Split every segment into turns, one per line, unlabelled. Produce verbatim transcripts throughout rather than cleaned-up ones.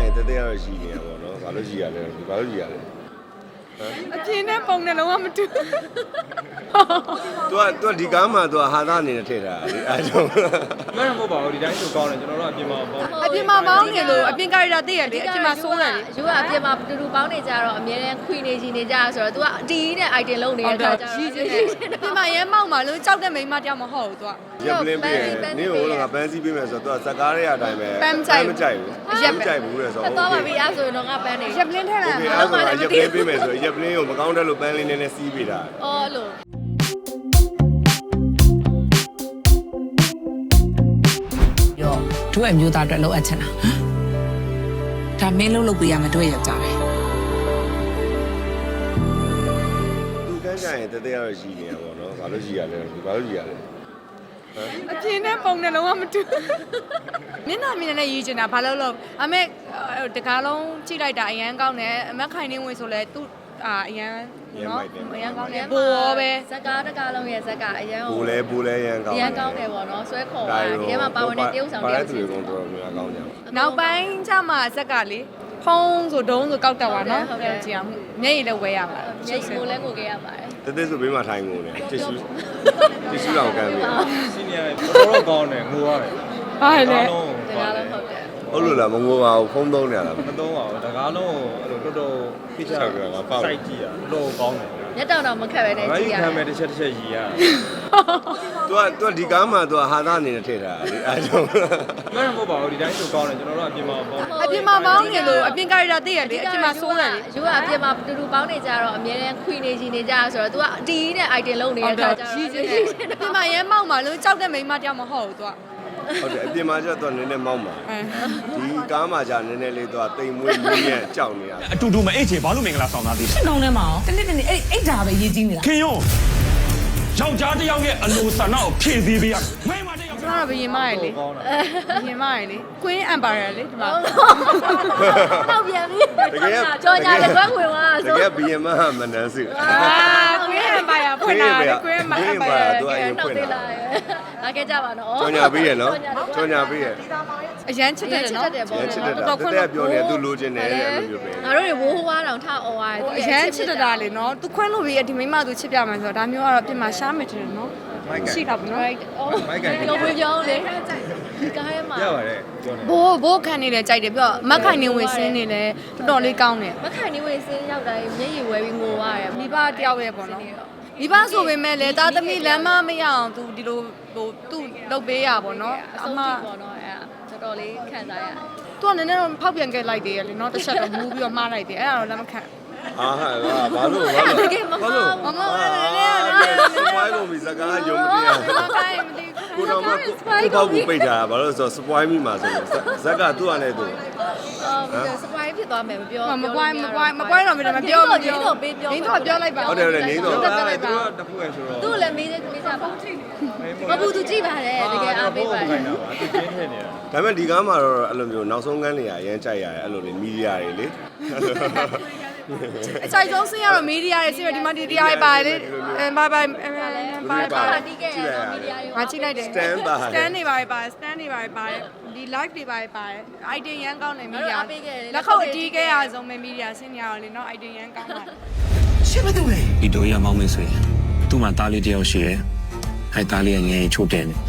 ရင်တသက်ရတော့ရှိနေရပါတော့။ဘာလို့ရှိရလဲ။ဘာလို့ရှိရလဲ။
အပြင်းနဲ့ပုံနဲ့လုံးဝမတူ
तू อ่ะ तू ဒီကားမှာ तू ဟာသားအနေနဲ့ထည့်ထားတာလေအဲကြောင့်
မင်းမဟုတ်ပါဘူးဒီတိုင်းဆိုကောင်းတယ်ကျွန်တော်တို့အပြင်မှာပေါ့
အပြင်းမှာပေါင်းနေလို့အပြင်းကာရီတာသိရလေအပြင်းမှာဆိုးတယ်လေ
ယူကအပြင်မှာတူတူပေါင်းနေကြတော့အများနဲ့ခွေနေချင်နေကြဆိုတော့ तू ကဒီနဲ့ item လုံးနေတဲ့အခါကျတော့
ရည်ချင်းတယ်အပြင်းမှာရဲမောက်မှာလို့ကြောက်တဲ့မိန်းမတယောက်မဟုတ်ဘူး तू
ရက်ပလင်းပေးရင်နင်းကိုငါပန်းစည်းပေးမယ်ဆိုတော့ तू ဇက်ကားရဲ့အတိုင်းပဲမကြိုက်ဘူးရက်မကြိုက်ဘူးလေဆို
တော့
တော့
ပါပြီအဲ့ဆိုရင်တော့ငါပန်းနေ
ရက်ပလင်းထဲလာ
โอเคအဲ့ဒါရက်ပလင်းပေးမယ်ဆိုရက်ပလင်းကိုမကောင်းတဲ့လို့ပန်းလေးနည်းနည်းစီးပေးတာ
အော်လို့
ရောတို့အမျိုးသားအတွက်လောက်အပ်ချင်တာဒါမင်းလုံးလုပ်ပေးရမယ်တို့ရဲ့ယောက်ျားပဲ
သူကန်းကြရင်တသက်ရတော့ရှိနေရပါတော့ဘာလို့ရှိရလဲဘာလို့ရှိရလဲ
အပြင်းနဲ့ပုံနဲ့လုံးဝမတူမျက်နှာမြင်နဲ့ရည်ချင်တာဘာလို့လို့အမေတကားလုံးကြည့်လိုက်တာအရန်ကောင်းတယ်အမက်ခိုင်နေဝင်ဆိုလဲသူအာအရန်နော်အရန်ကောင်းတယ်ဘိုးရောပဲ
ဇက်ကားတကားလုံးရဲ့ဇက်ကားအရန်
ဘူလဲဘူလဲရန်ကောင်း
အရန်ကောင်းတယ်ပေါ့နော်ဆွဲခေါ်တာဒီထဲမှာပါဝင်တဲ့တရုပ်ဆောင်တ
ပါ
ယော
တဲ့
က်
သူ
ချင်း
တွေကတော့တော်တော်များများကောင်းကြတယ်
နောက်ပိုင်းကျမှဇက်ကလေဖုံးဆိုဒုံးဆိုကောက်တက်ပါနော်ဟုတ်ကဲ့ကြည့်အောင်မျက်ရည်လည်းဝဲရပါတယ်
မျက်ကိုလည်းကိုခဲ့ရပါတယ်
တသက်ဆိုဘေးမှာထိုင်ကုန်တယ်တစ်ရှူတစ်ရှူတော့ကမ်းပြီ
စီနီယာတော်တော်ကောင်းတယ်ငိုရတယ်
ဘာလဲ
တကားလုံးဟုတ်တယ်
ဟုတ်လို့လားမငိုပါဘူးဖုံးသုံးနေရတာ
မသုံးပါဘူးတကားလုံးအဲ့လိုတော်တော်ဖိချာစိုက်ကြည့်ရတော်တော်ကောင်းတယ်
မျက်တောင်တော့မခက်ပဲနဲ့
ဘာ
ကြ
ကြီး
ည့်ရ
ခံမဲ့တစ်ချက်တစ်ချက်ရည်ရ
तू อ่ะ तू ဒီကားမှာ तू ဟာသားအနေနဲ့ထည့်ထားတာလေအဲကြောင့်
မင်းမဟုတ်ပါဘူးဒီတိုင်းဆိုကောင်းတယ်ကျွန်တော်တို့အပြင်မှာပေါ့
အပြင်းမှာပေါင်းနေလို့အပြင်းကာရီတာသိရလေအပြင်းမှာဆိုးတယ်လေ
ယူကအပြင်မှာတူတူပေါင်းနေကြတော့အများနဲ့ခွေနေချင်နေကြဆိုတော့ तू ကဒီနဲ့ item လုံးနေတဲ့အခါကျတော့
ရည်ချင်းတယ်အပြင်းမှာရဲမောက်မှာလို့ကြောက်တဲ့မိန်းမတယောက်မဟုတ်ဘူး तू
ဟုတ်တယ်အပြင်မှာကျတော့ तू နည်းနည်းမောင်းပါဒီကားမှာကျနည်းနည်းလေး तू တိမ်မွေးမွေးရကြောက်နေရ
အတူတူမအိတ်ချေဘာလို့မင်္ဂလာဆောင်သားသေးလဲ
နှောင်းထဲမှာရောတနေ့တနေ့အဲ့အဲ့ဒါပဲရေးကြည့်နေတာ
ခင်ယုံယောက်ျားတစ်ယောက်ရဲ့အလိုဆန္ဒကိုဖြည့်ဆည်းပေးရမိန်းမတစ်ယောက်
ကျွန်တော်ကဘယင်မရယ်လေဘယင်မရယ်လေ Queen Empire လေဒီမှာ
တော့ပြန်ပြီကြော်ညာလက်ကွန်းဝင်သွား
တ
ဆို
ကယ်ဘီယမမနန်းစု
အာ Queen Empire ဖွင့်လာတယ် Queen Empire
သူအရင်ဖွင့်လာ
လာခဲ့ကြပါနော်
ကြော်ညာပေးရနော်ကြော်ညာပေးရ
အရန်ချစ်တယ်နော်
ရချစ်တယ်တော်တော်ပြောနေသူလိုချင်တယ်အဲ့လိုမျိုးပဲ
ငါတို့တွေဝိုးဝါးတောင်ထအော်ရတယ်
အရန်ချစ်တာလေနော် तू ခွင့်လို့ပြီးဒီမိန်းမ तू ချစ်ပြမယ်ဆိုတော့ဒါမျိုးကတော့ပြင်မှာရှားမယ်ထင်တယ်နော်ရှိတာပေါ့နော်
right အော်
မိုက်ကန်
လောဘကြောင်းလေဒီကားထဲမှာ
ရပါတယ်ပြောနေ
ဘိုးဘိုးခံနေတယ်ကြိုက်တယ်ပြောမက်ခိုင်နေဝင်စင်းနေလဲတော်တော်လေးကောင်းတယ်
မခိုင်နေဝင်စင်းရောက်တိုင်းမျက်ရည်ဝဲပြီးငိုရတယ်
မိဘတယောက်ရဲ့ပေါ့နော်မိဘဆိုပေမဲ့လေသားသမီးလမ်းမမရအောင် तू ဒီလိုဟိုသူ့လုပ်ပေးရပေါ့နော်
အ
အ
ဆုံး
မ
ထိပေါ့နော်အဲ့ဒါတော်တော်လေးခံစားရတယ်
तू ကနည်းနည်းတော့ဖောက်ပြန်ခဲ့လိုက်သေးရလေနော်တစ်ချက်တော့မူးပြီးတော့မှားလိုက်တယ်အဲ့ဒါတော့လက်မခံ
အာဟာဘာလို့ဘာလို့
တကယ်မမဘူး
မမလည်းလည်းလည်း
စပွိုင်းကုန်ပြီစကားယုံမသိရ
မကိုင်းမသိ
ကိုတော်မကိုပေါ့ကိုပိတ်တာဘာလို့ဆိုစပွိုင်းမိမှာဆိုဇက်ကသူ့အနေနဲ့သူ
အော်ပြီးတော့ surprise ဖြစ်သွားမယ်မပြော
မကွိုင်းမကွိုင်းမကွိုင်းတော့မပြောမပြော
တော့ပေးပြော
မင်းတို့ပြောလိုက်ပါ
ဟုတ်တယ်ဟုတ်တယ်နေတော့
အဲ့ဒါလည်းသူကတခုရဲ့ဆိုတော့
သူ့လည်းမေးသေးမေးစားပါမဘူးသူကြည့်ပါတယ်တကယ်အားပေးပါတ
ခို
ယ်
င်းတာပါသူကျင်းထည့်နေတာ
ဒါပေမဲ့ဒီကားမှာတော့အဲ့လိုမျိုးနောက်ဆုံးကန်းနေရအရင်ကြိုက်ရတယ်အဲ့လိုလေမီဒီယာတွေလေ
အချိုက်ဆုံးဆင်းရတော့မီဒီယာတွေဆင်းရဒီမှာဒီတရားတွေပါတယ်လေအဲဘိုင်ဘိုင်ဘိုင်
ပါတီးခဲ့ရတော့မီဒီယာတွေ
ငါကြည့်လိုက်တယ်
stand by
stand တွေပါတယ်ပါတယ် stand တွေပါတယ်ပါတယ်ဒီ live တွေပါတယ်ပါတယ် idea ရန်ကောင်းတယ်မီဒီယာ
အားပေးခဲ့တယ်
လက်ခုပ်အတီးခဲ့ရဆုံးပဲမီဒီယာဆင်းရတော့လေနော် idea ရန်ကောင်းပါတယ်
ရှင်းမသူလေ
ဒီတို့ရမောင်းမေးဆိုရင်သူ့မှာသားလေးတစ်ယောက်ရှိတယ်အဲသားလေးကငယ်ချိုးတယ်နေ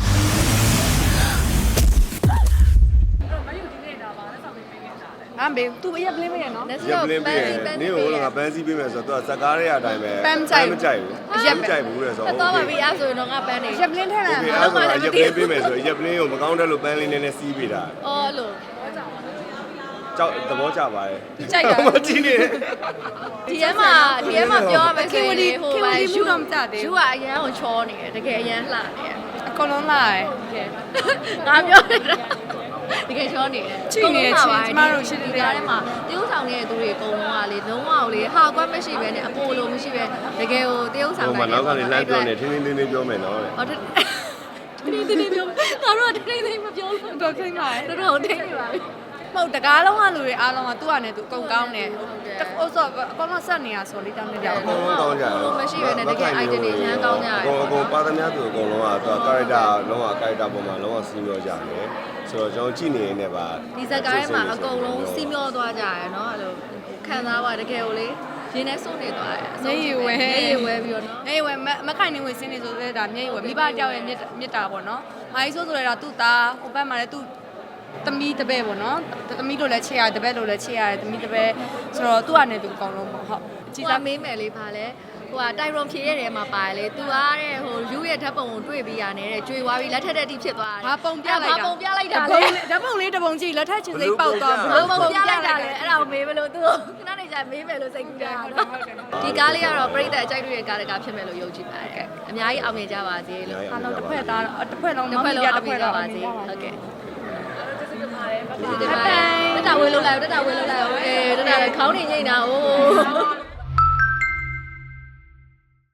အမေသူအရက်ပလင်းမရနော်
လက်စ
ရက်
တော့
ပလင်း
ပ
ပေး
န်း
ရ
စီပန်း
နေ
စီ
ကို
ပေး
ငါပန်းစည်းပေးမယ်ဆိုတော့သူကဇက်ကားရဲ့အတိုင်းပဲမကြိုက်ဘူးမကြိုက်ဘူးလေဆို
တော့ပါပြီအဲ့ဆိုရင်တော့ငါပန်းနေ
ရက်ပလင်းထဲလာ
โอเคအဲ့ဒါရက်ပလင်းပေးမယ်ဆိုရက်ပလင်းကိုမကောင်းတဲ့လို့ပန်းလေးနည်းနည်းစီးပေးတာ
အော်လို့
ကြောက်သဘောကျပါတယ်
ကြိုက်တာ
မကြည့်နေ
ဒီထဲမှာဒီထဲမှာပြောရမယ်ဆို
ခင်ဝ
ရင်
တီ
ဟို
ခင်ဝ
ပါ
တီ
ရှူ
မှုတော့မကြသေး
ရှူ
ဘူး
ကအရန်ကိုချောနေတယ်တကယ်အရန်လှနေတယ်
အကုန်လုံးလာတယ်
ငါပြောနေတာတကယ်ချောနေတယ်
ချိနေတယ်ချိကျမတို့ရှိတယ်
ဒီထဲမှာတရုပ်ဆောင်နေတဲ့သူတွေအကုန်လုံးကလေလုံးဝလေဟာကွက်မရှိပဲနဲ့အပိုလိုမရှိပဲတကယ်ကိုတရုပ်ဆောင်
ဟို
နေ
မှာနောက်ကနေလှမ်းပြောနေထင်းထင်းထင်းထင်းပြောမယ်နော်
ဟောတတင်းတင်းတင်းပြောငါတို့ကတင်းတင်းမပြောလို့
တော့ခိမ့်ပါရဲ့
တော်တော်တင်းနေပါပြီ
ဟုတ်တကားလုံးကလူတွေအားလုံးကသူ့အနေနဲ့သူအကုန်ကောင်းတယ်ဟိုဆိုအကောင်လုံးဆက်နေရဆိုလေးတောင်းနေကြ
အ
အောင်
ကုန်လုံးကောင်းကြတယ်
လို့မရှိပဲနဲ့တကယ် item တွေလမ်းကောင်းကြတယ်
အကုန်အကုန်ပါသမျှသူအကုန်လုံးကသူက character လုံးဝ character ပုံမှာလုံးဝစီးပြောကြတယ်ဇဆိုတော့ကျွန်တော်ကြည့်နေနေပါ
ဒီဇက်ကားထဲမှာအကုန်လုံးစီးမျောသွားကြရယ်နော်အဲ့လိုခံစားပါတကယ်ကိုလေရင်းနဲ့စုံနေသွားတယ်မျက်ရည်ဝဲပြီးတော့နော်
မျက်ရည်ဝဲမခိုင်နေဝင်စင်းနေဆိုတဲ့ဒါမျက်ရည်ဝဲမိဘတယောက်ရဲ့မြစ်တာပေါ့နော်။အားကြီးဆိုဆိုရတာသူ့သားဟိုဘက်မှာလည်းသူ့သမီးတပည့်ပေါ့နော်။သမီးတို့လည်းချေရတယ်တပည့်တို့လည်းချေရတယ်သမီးတပည့်ဆိုတော့သူ့အနေနဲ့သူအကောင်လုံးပေါ့ဟုတ်။
ကြည်စားမေးမယ်လေပါလေဟိုကတိုင်ရွန်ဖြေတဲ့နေရာမှာပါတယ်လေသူအားတဲ့ဟိုယူရဲ့ဓာတ်ပုံကိုတွေ့ပြီးရတယ်တဲ့ကြွေသွားပြီးလက်ထက်တက်တိဖြစ်သွားတယ်
ဘာပုံပြလိုက်တာ
ဘာပုံပြလိုက်တာ
ဓာ
လဲ
တ်ပုံလေးတစ်ပုံကြည့်လက်ထက်ချင်းစိတ်ပေါက်သွား
ဘာပုံပြလိုက်တာလဲအဲ့ဒါကိုမေးမလို့သူခဏနေကြမေးမယ်လို့စိတ်ကူးတာနော်ဒီကားလေးကတော့ပြိတ္တအကြိုက်တွေ့တဲ့ကားတကားဖြစ်မယ်လို့ယုံကြည်ပါတယ်အများကြီးအောင်မြင်ကြပါစေလို့
အားလုံးတစ်ဖွဲ့သားတစ်ဖွဲ့လုံး
တစ်ဖွဲ့လုံး
တစ်ဖွဲ့လုံး
ပါစေဟုတ်ကဲ့တက်တာဝေးလို့လိုက်တက်တာဝေးလို့လိုက်โอเคတက်တာခေါင်းနေညိနေတာဟို